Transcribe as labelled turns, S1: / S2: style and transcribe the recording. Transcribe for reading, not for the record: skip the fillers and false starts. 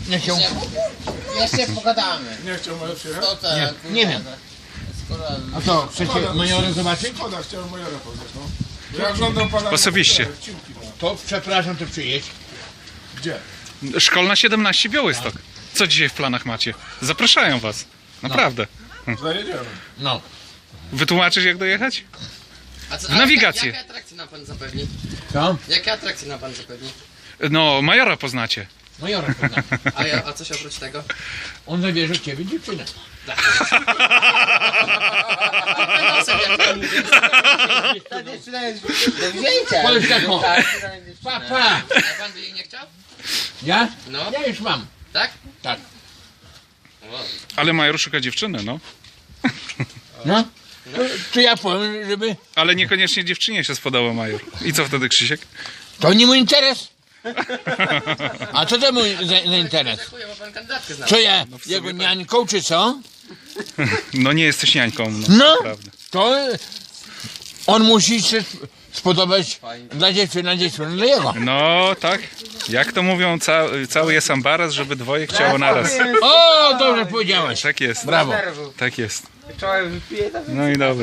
S1: Nie chciał.
S2: Jeszcze pogadamy.
S3: Nie chciał może przyjechać?
S2: To tak,
S1: Nie wiem. A co, chcecie majora zobaczyć?
S3: Szkoda, chciałem majora poznać, no. Ja oglądam pana...
S4: Osobiście.
S3: Wcinki, no.
S1: To przepraszam, to przyjedź.
S3: Gdzie?
S4: Szkolna 17 Białystok. Co dzisiaj w planach macie? Zapraszają was. Naprawdę.
S3: Zajedziemy.
S1: No.
S4: Wytłumaczysz jak dojechać?
S2: A co,
S4: W nawigację.
S2: Jakie atrakcje nam pan zapewni?
S1: Co?
S2: Jakie atrakcje nam pan zapewni?
S4: No, majora poznacie.
S1: Majora poznam.
S2: A coś oprócz tego?
S1: On zabierze od ciebie dziewczynę.
S2: Ta dziewczyna jest do wzięcia.
S1: Powiedz taką. Papa.
S2: A pan by jej nie chciał?
S1: Ja?
S2: No.
S1: Ja już mam.
S2: Tak?
S1: Tak.
S2: O.
S4: Ale major szuka dziewczyny, no.
S1: No. To ja powiem, żeby...
S4: Ale niekoniecznie dziewczynie się spodobał major. I co wtedy, Krzysiek?
S1: To nie mój interes. A co to mój za interes?
S2: Dziękuję, bo pan kandydatkę zna.
S1: Co ja?
S4: w sumie
S1: Jego
S4: tak.
S1: niańką, czy co?
S4: No nie jesteś niańką, no.
S1: No.
S4: Naprawdę.
S1: To on musi się spodobać dla dziewczyny, dla jego.
S4: No tak. Jak to mówią, cały jest ambaras, żeby dwoje chciało naraz.
S1: O, dobrze powiedziałeś.
S4: Tak jest.
S1: Brawo.
S4: Tak jest.
S2: Czołem wypiję, to
S4: No i dobra.